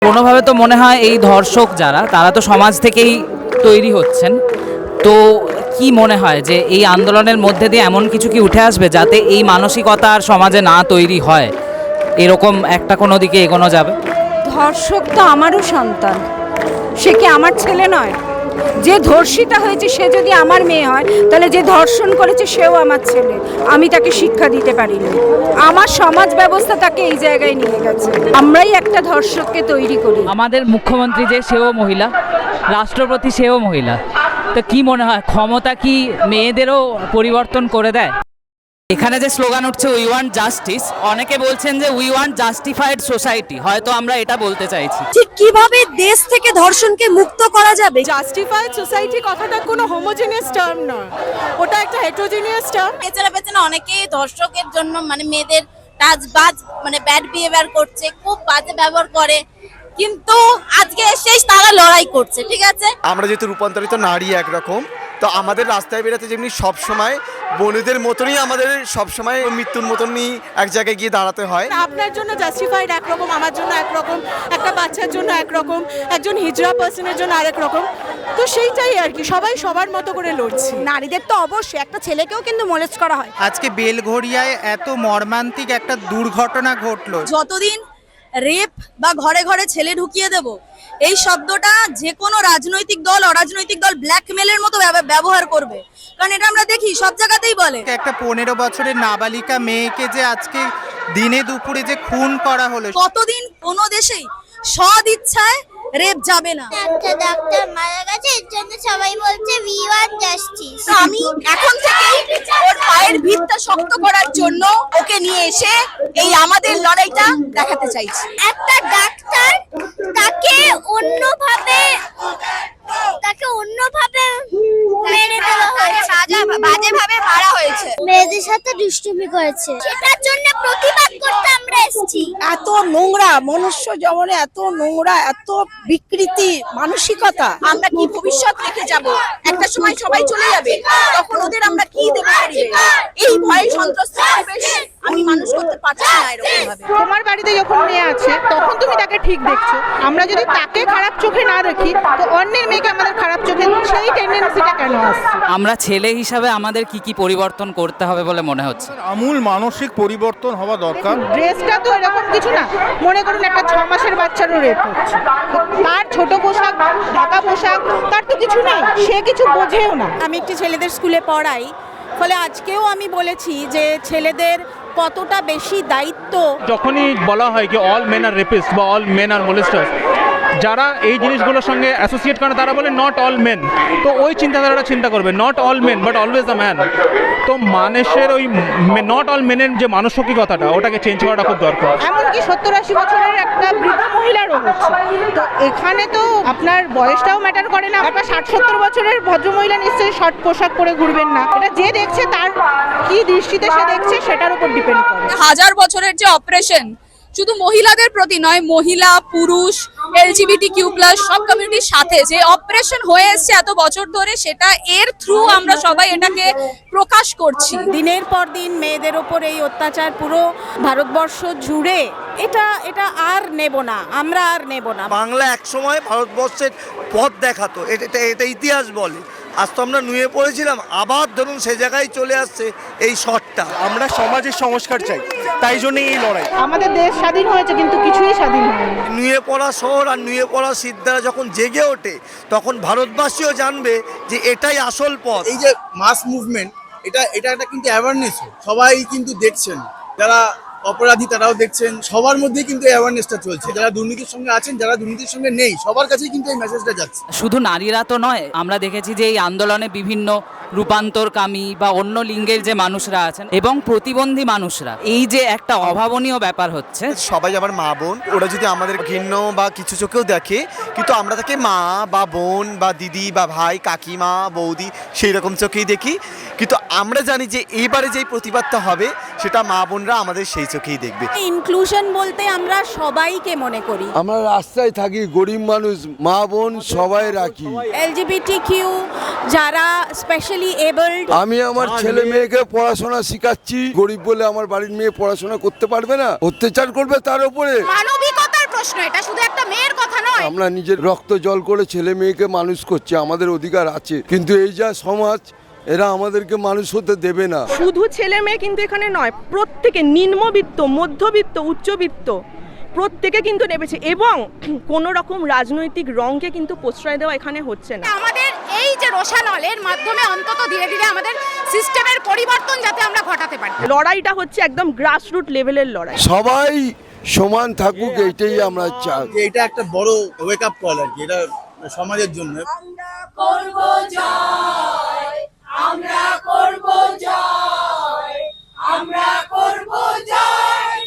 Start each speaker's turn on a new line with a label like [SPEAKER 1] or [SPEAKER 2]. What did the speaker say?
[SPEAKER 1] কোনোভাবে তো মনে হয় এই ধর্ষক যারা তারা তো সমাজ থেকেই তৈরি হচ্ছেন। তো কি মনে হয় যে এই আন্দোলনের মধ্যে দিয়ে এমন কিছু কি উঠে আসবে যাতে এই মানসিকতা আর সমাজে না তৈরি হয়, এরকম একটা কোনো দিকে এগোনো যাবে?
[SPEAKER 2] ধর্ষক তো আমারও সন্তান, সে কি আমার ছেলে নয়? যে ধর্ষিতা হয়েছে সে যদি আমার মেয়ে হয়, তাহলে যে ধর্ষণ করেছে সেও আমার ছেলে। আমি তাকে শিক্ষা দিতে পারিনি, আমার সমাজ ব্যবস্থা তাকে এই জায়গায় নিয়ে গেছে। আমরাই একটা ধর্ষককে তৈরি করি।
[SPEAKER 1] আমাদের মুখ্যমন্ত্রী যে সেও মহিলা, রাষ্ট্রপতি সেও মহিলা, তো কি মনে হয় ক্ষমতা কি মেয়েদেরও পরিবর্তন করে দেয়? এখানে যে স্লোগান উঠছে উই ওয়ান্ট জাস্টিস, অনেকে বলছেন যে উই ওয়ান্ট জাস্টিফাইড সোসাইটি, হয়তো আমরা এটা বলতে চাইছি।
[SPEAKER 3] ঠিক কিভাবে দেশ থেকে ধর্ষণকে মুক্ত করা যাবে?
[SPEAKER 4] জাস্টিফাইড সোসাইটি কথাটা কোনো হোমোজেনিয়াস টার্ম নয়, ওটা একটা হেটেরোজেনিয়াস টার্ম।
[SPEAKER 5] পেছনে পেছনে অনেকেই ধর্ষকের জন্য মানে মেয়েদের টাচবাজ মানে ব্যাড বিহেভিয়ার করছে, খুব বাজে ব্যবহার করে, কিন্তু আজকে শেষ তারা লড়াই করছে। ঠিক আছে,
[SPEAKER 6] আমরা যেহেতু রূপান্তরিত নারী একরকম, তো আমাদের রাস্তায় বেরোতে যেমনি সবসময় বোনেদের মতনই আমাদের সবসময় মৃত্যুর মতনই এক জায়গায় গিয়ে দাঁড়াতে হয়।
[SPEAKER 4] আপনার জন্য জাস্টিফাইড একরকম, আমার জন্য একরকম, একটা বাচ্চার জন্য একরকম, একজন হিজড়া পার্সনের জন্য আরেক রকম। তো সেইটাই আর কি, সবাই সবার মতো করে লড়ছি।
[SPEAKER 2] নারীদের তো অবশ্যই, একটা ছেলেকেও কিন্তু মোলেস্ট করা হয়।
[SPEAKER 7] আজকে বেলঘড়িয়ায় এত মর্মান্তিক একটা দুর্ঘটনা ঘটলো।
[SPEAKER 3] যতদিন রেপ বা ঘরে ঘরে ছেলে ঢুকিয়ে দেব, এই শব্দটা যে কোনো রাজনৈতিক দল অরাজনৈতিক দল ব্ল্যাকমেলের মতো ব্যবহার করবে, কারণ এটা আমরা দেখি সব জায়গাতেই বলে।
[SPEAKER 7] একটা 15 বছরের নাবালিকা মেয়েকে যে আজকে দিনে দুপুরে যে খুন করা হলো,
[SPEAKER 3] কতদিন কোনো দেশেই সদ ইচ্ছায় রেপ যাবে না।
[SPEAKER 5] একটা ডাক্তার মারা গেছে, এর জন্য সবাই বলছে উই ওয়ান্ট জাস্টিস।
[SPEAKER 3] আমি এখন থেকেই ওর পায়ের ভিতটা শক্ত করার জন্য ওকে নিয়ে এসে এই আমাদের লড়াইটা দেখাতে চাইছি।
[SPEAKER 5] একটা ডাক্তার তাকে অন্যভাবে মেরে দেওয়া হয়েছে,
[SPEAKER 3] বাজেভাবে মারা হয়েছে,
[SPEAKER 5] মেয়েদের সাথে দুষ্টুমি করেছে, সেটার জন্য প্রতিবাদ করতে আমরা এসেছি।
[SPEAKER 2] এত নোংরা মনুষ্য জীবনে, এত নোংরা, এত বিকৃতি মানসিকতা।
[SPEAKER 3] আমরা কি ভবিষ্যৎ রেখে যাব? একটা সময় সবাই চলে যাবে, তখন ওদের আমরা কি দেবো? এই ভয় সন্ত্রস্ত পরিবেশ আমি মানুষ করতে পারছি না এরকম ভাবে।
[SPEAKER 4] তোমার বাড়িতে যখন মেয়ে আছে তখন তুমি তাকে ঠিক দেখছো, আমরা যদি তাকে খারাপ চোখে না দেখি তো অন্যের মেয়েকে আমাদের খারাপ চোখে, সেই টেন্ডেন্সিটা কেন আসছে?
[SPEAKER 1] আমরা ছেলে হিসাবে আমাদের কি কি পরিবর্তন করতে হবে বলে মনে হচ্ছে?
[SPEAKER 8] আমূল মানসিক পরিবর্তন হওয়া দরকার।
[SPEAKER 4] ড্রেসটা তো এরকম কিছু না, মনে করুন একটা 6 মাসের বাচ্চারও রেপ হচ্ছে, তার ছোট পোশাক, ঢাকা পোশাক, তার তো কিছু নেই, সে কিছু বোঝেও না। আমি একটি ছেলেদের স্কুলে পড়াই, ফলে আজকেও আমি বলেছি যে ছেলেদের কতটা বেশি দায়িত্ব।
[SPEAKER 9] যখনই বলা হয় কি অল মেন আর রেপিস্ট বা অল মেন আর মোলেস্টার্স, যারা এই জিনিসগুলোর সঙ্গে অ্যাসোসিয়েট করে তারা বলে নট অল মেন। তো ওই চিন্তাধারাটা চিন্তা করবে, not all men but always a man. তো মানুষের ওই নট অল মেনের যে মানসিকতাটা, ওটাকে চেঞ্জ করাটা খুব দরকার।
[SPEAKER 4] এমনকি 70-80 বছরের একটা বৃদ্ধ মহিলারও হচ্ছে। তো এখানে তো আপনার বয়সটাও ম্যাটার করে না। একটা 60-70 বছরের ভদ্রমহিলা নিশ্চয়ই শর্ট পোশাক পরে ঘুরবেন না। এটা যে দেখছে তার কি দৃষ্টিতে সে দেখছে সেটার উপর ডিপেন্ড করে।
[SPEAKER 3] হাজার বছরের যে অপারেশন শুধু মহিলাদের প্রতি নয়, মহিলা, পুরুষ, LGBTQ+ সব কমিউনিটির সাথে যে অপারেশন হয়ে এসছে এত বছর ধরে, সেটা এর থ্রু আমরা সবাই এটাকে প্রকাশ করছি।
[SPEAKER 2] দিনের পর দিন মেয়েদের ওপর এই অত্যাচার পুরো ভারতবর্ষ জুড়ে, এটা আর নেব না, আমরা আর নেব না।
[SPEAKER 6] বাংলা একসময় ভারতবর্ষের পথ দেখাতো, এটা ইতিহাস বলে। আজ তো আমরা নুয়ে পড়েছিলাম, আবার ধরুন সে জায়গায় চলে আসছে এই শটটা।
[SPEAKER 8] আমরা সমাজের সংস্কার চাই, তাই জন্যই এই লড়াই।
[SPEAKER 4] আমাদের দেশ স্বাধীন হয়েছে কিন্তু কিছুই স্বাধীন হয়নি।
[SPEAKER 6] নুয়ে পড়া শহর আর নুয়ে পড়া সিদ্ধারা যখন জেগে ওঠে, তখন ভারতবাসীও জানবে যে এটাই আসল পথ।
[SPEAKER 10] এই যে মাস মুভমেন্ট, এটা একটা কিন্তু অ্যাওয়ারনেস, সবাই কিন্তু দেখছেন, যারা অপরাধী তারাও দেখছেন, সবার মধ্যে কিন্তু অ্যাওয়ারনেসটা চলছে। যারা দুর্নীতির সঙ্গে আছেন, যারা দুর্নীতির সঙ্গে নেই, সবার কাছেই কিন্তু এই মেসেজটা যাচ্ছে।
[SPEAKER 1] শুধু নারীরা তো নয়, আমরা দেখেছি যে এই আন্দোলনে বিভিন্ন রূপান্তরকামী বা অন্য লিঙ্গের যে মানুষরা আছেন এবং প্রতিবন্ধী মানুষরা, এই যে একটা অভাবনীয় ব্যাপার হচ্ছে।
[SPEAKER 6] সবাই আমার মা বোন, ওরা যদি আমাদের ঘৃণ্য বা কিছু চোখেও দেখে, কিন্তু আমরা তাকে মা বা বোন বা দিদি বা ভাই, কাকিমা, বৌদি সেই রকম চোখেই দেখি। কিন্তু আমরা জানি যে এইবারে যেই প্রতিবাদটা হবে সেটা মা বোনরা আমাদের সেই চোখেই দেখবে।
[SPEAKER 2] ইনক্লুশন বলতে আমরা সবাইকে মনে করি।
[SPEAKER 11] আমরা রাস্তায় থাকি, গরিব মানুষ, মা বোন সবাই রাখি।
[SPEAKER 2] LGBTQ যারা স্পেশালি এবলড,
[SPEAKER 11] আমি আমার ছেলে মেয়েকে পড়াশোনা শেখাচ্ছি। গরিব বলে আমার বাড়ির মেয়ে পড়াশোনা করতে পারবে না, অত্যাচার করবে তার উপরে।
[SPEAKER 3] মানবিকতার
[SPEAKER 2] প্রশ্ন, এটা শুধু একটা মেয়ের কথা নয়।
[SPEAKER 11] আমরা নিজের রক্ত জল করে ছেলে মেয়েকে মানুষ করছি, আমাদের অধিকার আছে, কিন্তু এই যা সমাজ, এরা আমাদেরকে মানুষ হতে দেবে না।
[SPEAKER 4] শুধু ছেলে মেয়ে কিন্তু এখানে নয়, প্রত্যেকে নিম্নবিত্ত, মধ্যবিত্ত, উচ্চবিত্ত প্রত্যেকে কিন্তু নেমেছে, এবং কোনো রকম রাজনৈতিক রঙকে কিন্তু প্রশ্রয় দেওয়া এখানে হচ্ছে না।
[SPEAKER 2] আমাদের এই যে রোশানলের মাধ্যমে অন্তত ধীরে ধীরে আমাদের সিস্টেমের পরিবর্তন যাতে আমরা ঘটাতে পারি।
[SPEAKER 4] লড়াইটা হচ্ছে একদম গ্রাসরুট লেভেলের লড়াই।
[SPEAKER 11] সবাই সমান থাকুক, এইটাই আমরা চাই।
[SPEAKER 10] যে এটা একটা বড় ওয়েক আপ কল আর কি, এটা সমাজের জন্য।
[SPEAKER 5] করব জয়, আমরা করব জয়, আমরা করব জয়।